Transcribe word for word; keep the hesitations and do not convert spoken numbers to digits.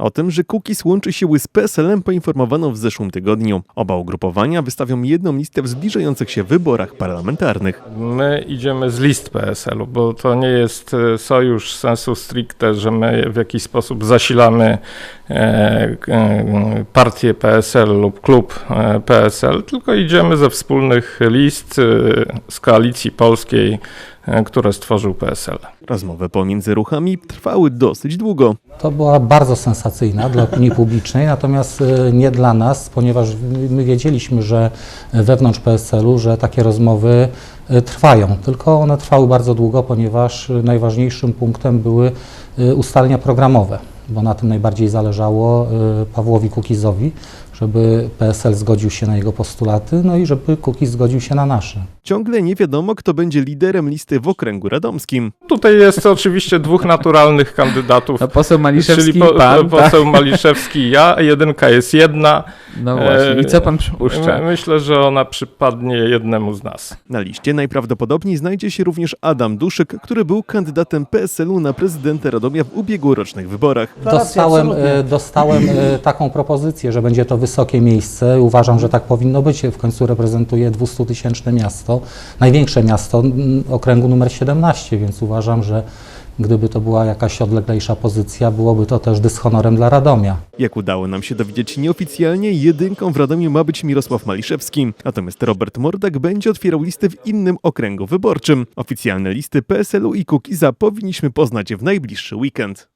O tym, że Kukiz łączy siły z P S L-em, poinformowano w zeszłym tygodniu. Oba ugrupowania wystawią jedną listę w zbliżających się wyborach parlamentarnych. My idziemy z list P S L-u, bo to nie jest sojusz sensu stricte, że my w jakiś sposób zasilamy e, e, partię P S L lub klub e, P S L, tylko idziemy ze wspólnych list e, z Koalicji Polskiej, e, które stworzył P S L. Rozmowy pomiędzy ruchami trwały dosyć długo. To była bardzo sensacyjna dla opinii publicznej, natomiast nie dla nas, ponieważ my wiedzieliśmy, że wewnątrz P S L-u, że takie rozmowy trwają, tylko one trwały bardzo długo, ponieważ najważniejszym punktem były ustalenia programowe, bo na tym najbardziej zależało Pawłowi Kukizowi, żeby P S L zgodził się na jego postulaty, no i żeby Kukiz zgodził się na nasze. Ciągle nie wiadomo, kto będzie liderem listy w okręgu radomskim. Tutaj jest oczywiście dwóch naturalnych kandydatów, No, poseł Maliszewski, czyli po, pan, poseł tak? Maliszewski i ja, jedynka jest jedna. No właśnie, i co pan przypuszcza? Myślę, że ona przypadnie jednemu z nas. Na liście najprawdopodobniej znajdzie się również Adam Duszyk, który był kandydatem P S L-u na prezydenta Radomia w ubiegłorocznych wyborach. Dostałem, dostałem taką propozycję, że będzie to wysokie miejsce. Uważam, że tak powinno być. W końcu reprezentuję dwustutysięczne miasto, największe miasto okręgu numer siedemnaście, więc uważam, że gdyby to była jakaś odleglejsza pozycja, byłoby to też dyshonorem dla Radomia. Jak udało nam się dowiedzieć nieoficjalnie, jedynką w Radomiu ma być Mirosław Maliszewski, natomiast Robert Mordak będzie otwierał listy w innym okręgu wyborczym. Oficjalne listy P S L-u i Kukiza powinniśmy poznać w najbliższy weekend.